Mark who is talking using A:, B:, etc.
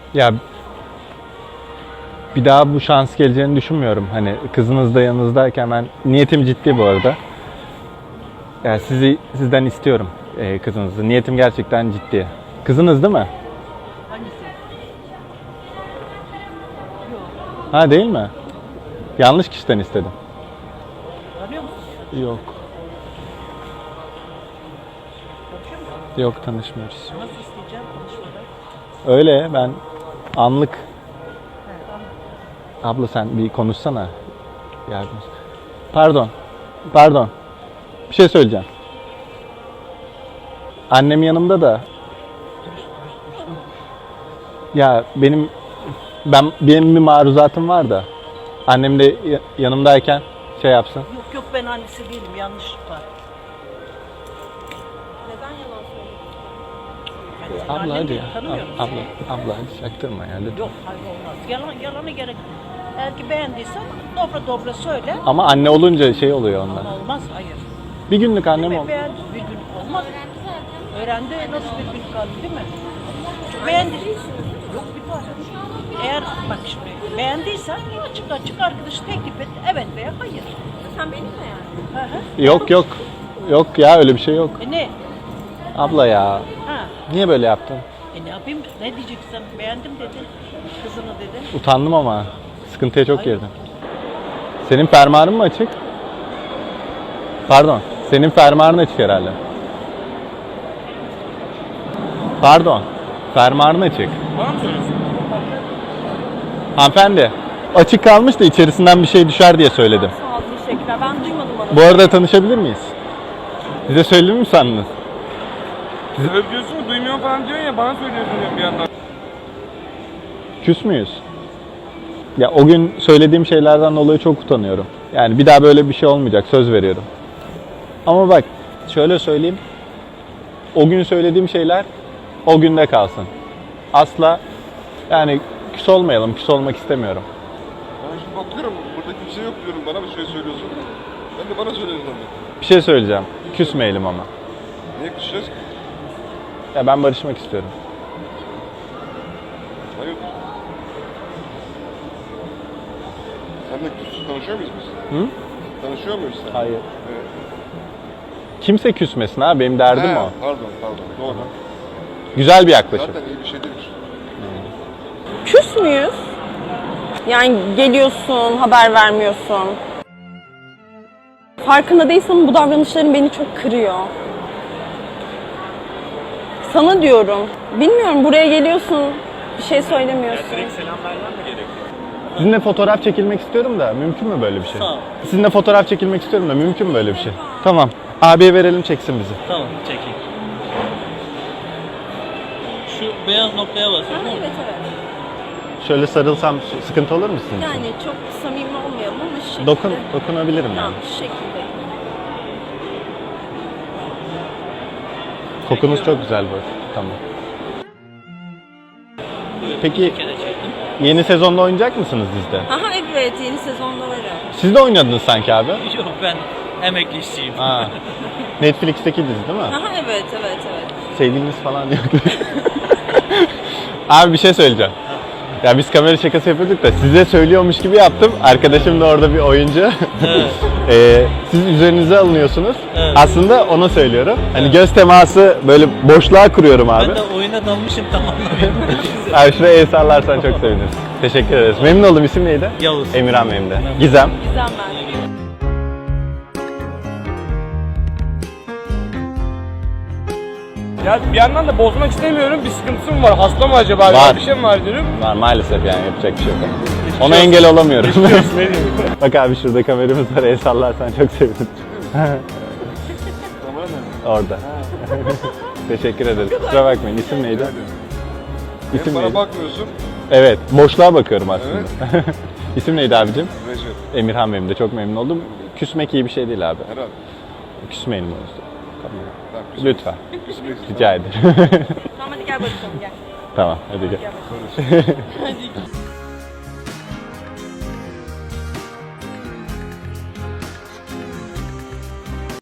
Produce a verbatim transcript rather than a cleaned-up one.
A: Ya bir daha bu şans geleceğini düşünmüyorum. Hani kızınız da yanınızdayken ben niyetim ciddi bu arada. Yani sizi sizden istiyorum e, kızınızı. Niyetim gerçekten ciddi. Kızınız değil mi?
B: Hangisi? Yok.
A: Ha değil mi? Yanlış kişiden istedim.
B: Tanıyor musun?
A: Yok.
B: Tanışıyor musun?
A: Yok tanışmıyoruz.
B: Nasıl isteyeceğim konuşmadan?
A: Öyle ben anlık.
B: He, tamam.
A: Abla sen bir konuşsana. Yardım. Pardon. Pardon. Bir şey söyleyeceğim. Annem yanımda da. Ya benim ben benim bir maruzatım var da. Annem de ya- yanımdayken şey yapsın.
B: Yok yok ben annesi değilim yanlışlık var.
C: Neden yalan söylüyorsun?
B: Ben senin
A: Abla
B: annen
A: hadi
B: değil,
A: ya.
B: tanımıyorum
A: Abla,
B: seni.
A: abla hadi çaktırma ya lütfen.
B: Yok hayır olmaz. Yalan, yalanı gerek. Eğer ki beğendiysen dobra dobra söyle.
A: Ama anne olunca şey oluyor ondan.
B: Ama olmaz hayır.
A: Bir günlük annem
B: Değil mi?
A: oldu.
B: Beğendi bir gün olmaz. Öğrendi nasıl bir gün kaldı değil mi? Çünkü beğendi. Yok bir tane. Eğer bak şimdi beğendiysen açık açık arkadaşı teklif et. Evet veya hayır.
C: Sen benim mi yani?
B: Hı hı.
A: Yok yok. Yok ya öyle bir şey yok.
B: E ne?
A: Abla ya.
B: Ha.
A: Niye böyle yaptın?
B: E ne yapayım? Ne diyeceksin? Beğendim dedin. Kızını dedin.
A: Utandım ama. Sıkıntıya çok
B: Hayır.
A: girdim. Senin fermuarın mı açık? Pardon. Senin fermuarın açık herhalde. Pardon. Fermuarın açık.
D: Bana mı söylüyorsun?
A: Hanımefendi. Açık kalmış da içerisinden bir şey düşer diye söyledim.
C: Sağ ol, teşekkürler. Ben duymadım onu.
A: Bu arada tanışabilir miyiz? Size söyledim mi sandınız?
D: Öyle diyorsun mu? Duymuyorum falan diyorsun ya, bana söylüyorsun diyorum bir yandan.
A: Küs müyüz? Ya o gün söylediğim şeylerden dolayı çok utanıyorum. Yani bir daha böyle bir şey olmayacak, söz veriyorum. Ama bak, şöyle söyleyeyim. O gün söylediğim şeyler o günde kalsın. Asla yani küs olmayalım, küs olmak istemiyorum.
E: Ben şimdi bakıyorum, burada kimse yok diyorum, bana bir şey söylüyorsun. Ben de bana söylüyorsun zannettim.
A: Bir şey söyleyeceğim. Küsmeyelim ama.
E: Niye küseceğiz ki?
A: Ya ben barışmak istiyorum.
E: Hayırdır? Seninle küs, tanışıyor muyuz biz?
A: Hı?
E: Tanışıyor muyuz sen?
A: Hayır.
E: Evet.
A: Kimse küsmesin ha, benim derdim
E: He,
A: o.
E: Pardon, pardon. Doğru.
A: Güzel bir yaklaşım.
E: Zaten iyi bir şey değilmiş.
C: Küs müyüz? Yani geliyorsun, haber vermiyorsun. Farkında değilsen bu davranışların beni çok kırıyor. Sana diyorum. Bilmiyorum, buraya geliyorsun, bir şey söylemiyorsun.
D: selam vermem mi gerekiyor?
A: Sizinle fotoğraf çekilmek istiyorum da mümkün mü böyle bir şey?
D: Sağ ol.
A: Sizinle fotoğraf çekilmek istiyorum da mümkün mü böyle bir şey? Tamam. Abiye verelim çeksin bizi.
F: Tamam, çekeyim. Şu beyaz noktaya basıyorum. değil mi?
C: Evet evet.
A: Şöyle sarılsam sıkıntı olur mu sizin için?
C: Yani çok samimi olmayalım ama şu şekilde.
A: Dokun, dokunabilirim yani.
C: Tamam, şu şekilde.
A: Kokunuz çok güzel bu. Tamam.
F: Buyurun,
A: Peki-
F: bir kere çektim.
A: Yeni sezonda oynayacak mısınız dizide?
C: Aha evet, yeni sezonda varım.
A: Siz de oynadınız sanki abi.
F: Yok, ben emekli işçiyim.
A: Ha. Netflix'teki dizi değil mi?
C: Aha evet evet evet.
A: Sevgiliniz falan yok. Abi bir şey söyleyeceğim. Ya biz kamera şakası yapıyorduk da size söylüyormuş gibi yaptım. Arkadaşım da orada bir oyuncu.
F: Evet.
A: Ee, siz üzerinize alınıyorsunuz.
F: Evet.
A: Aslında ona söylüyorum. Hani göz teması böyle boşluğa kuruyorum abi.
F: Ben de oyuna dalmışım tam anlamıyorum.
A: Abi şuraya el sallarsan çok seviniriz. Teşekkür ederiz. Memnun oldum. İsim neydi?
F: Yavuz.
A: Emirhan benim de. Gizem.
C: Güzel ben.
D: Ya bir yandan da bozmak istemiyorum, bir sıkıntısı mı var? Hasta mı acaba?
A: Var.
D: Bir şey mi var diyorum.
A: Var maalesef yani yapacak bir şey yok.
D: Geçmiş
A: Ona
D: olsun.
A: engel olamıyorum.
D: Geçmiş olsun, ne diyeyim?
A: Bak abi şurada kameramız var. El sallarsan çok sevinirim.
E: Kamera nerede?
A: Orada. Teşekkür ederiz. Kusura bakmayın. İsim neydi?
E: Hem
A: İsim
E: bana
A: neydi?
E: bakmıyorsun,
A: Evet. Boşluğa bakıyorum aslında. İsim neydi abicim?
E: Recep.
A: Emirhan benim de. Çok memnun oldum. Küsmek iyi bir şey değil abi.
E: Herhalde.
A: Küsmeyelim o yüzden. Tamam.
E: Tamam, küsmek-
A: Lütfen.
E: küsmek istiyorum.
A: Rica ederim.
C: Tamam hadi gel bakalım gel.
A: Tamam. Hadi gel.
C: Gel bakalım. Hadi.